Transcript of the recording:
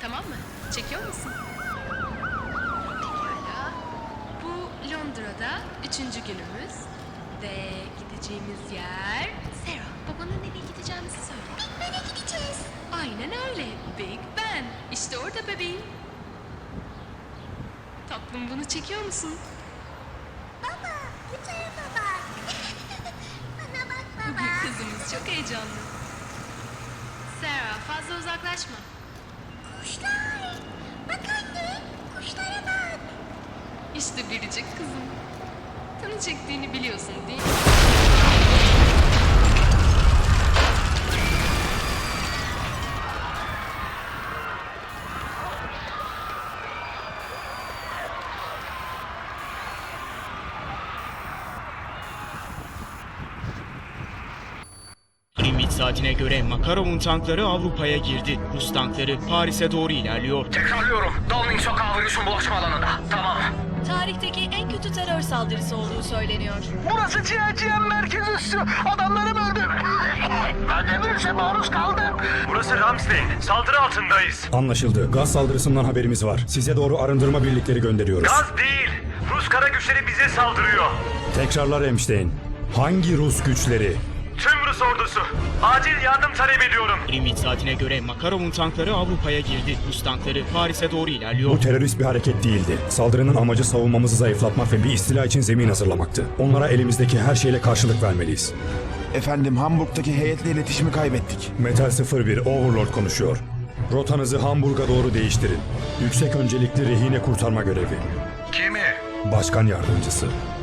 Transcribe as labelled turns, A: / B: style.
A: Tamam mı? Çekiyor musun? Pekala. Bu Londra'da 3. günümüz. Ve gideceğimiz yer... Sarah, babana nereye gideceğimizi söyle.
B: Big Ben'e gideceğiz.
A: Aynen öyle. Big Ben. İşte orada bebeğim. Tatlım, bunu çekiyor musun?
B: Baba, bu tarafa bak. Bana bak baba.
A: Kızımız çok heyecanlı. Sarah, fazla uzaklaşma.
B: Kuşlar. Bak anne, kuşlara bak.
A: İşte biricik kızım. Tanı çektiğini biliyorsun değil mi?
C: Greenwich saatine göre Makarov'un tankları Avrupa'ya girdi. Rus tankları Paris'e doğru ilerliyor.
D: Tekrarlıyorum. Downing sokağı virüsün bulaşma alanında. Tamam.
E: Tarihteki en kötü terör saldırısı olduğu söyleniyor.
D: Burası CHCM merkez üssü. Adamlarım öldü. Ben de virüse maruz kaldım. Burası Ramstein. Saldırı altındayız.
F: Anlaşıldı. Gaz saldırısından haberimiz var. Size doğru arındırma birlikleri gönderiyoruz.
D: Gaz değil. Rus kara güçleri bize saldırıyor.
F: Tekrarlar Emstein. Hangi Rus güçleri?
D: Tüm Rus ordusu. Acil yardım talep ediyorum.
C: Greenwich saatine göre Makarov'un tankları Avrupa'ya girdi. Rus tankları Paris'e doğru ilerliyor.
F: Bu terörist bir hareket değildi. Saldırının amacı savunmamızı zayıflatmak ve bir istila için zemin hazırlamaktı. Onlara elimizdeki her şeyle karşılık vermeliyiz.
G: Efendim, Hamburg'daki heyetle iletişimi kaybettik.
F: Metal 01 Overlord konuşuyor. Rotanızı Hamburg'a doğru değiştirin. Yüksek öncelikli rehine kurtarma görevi.
D: Kimi?
F: Başkan yardımcısı.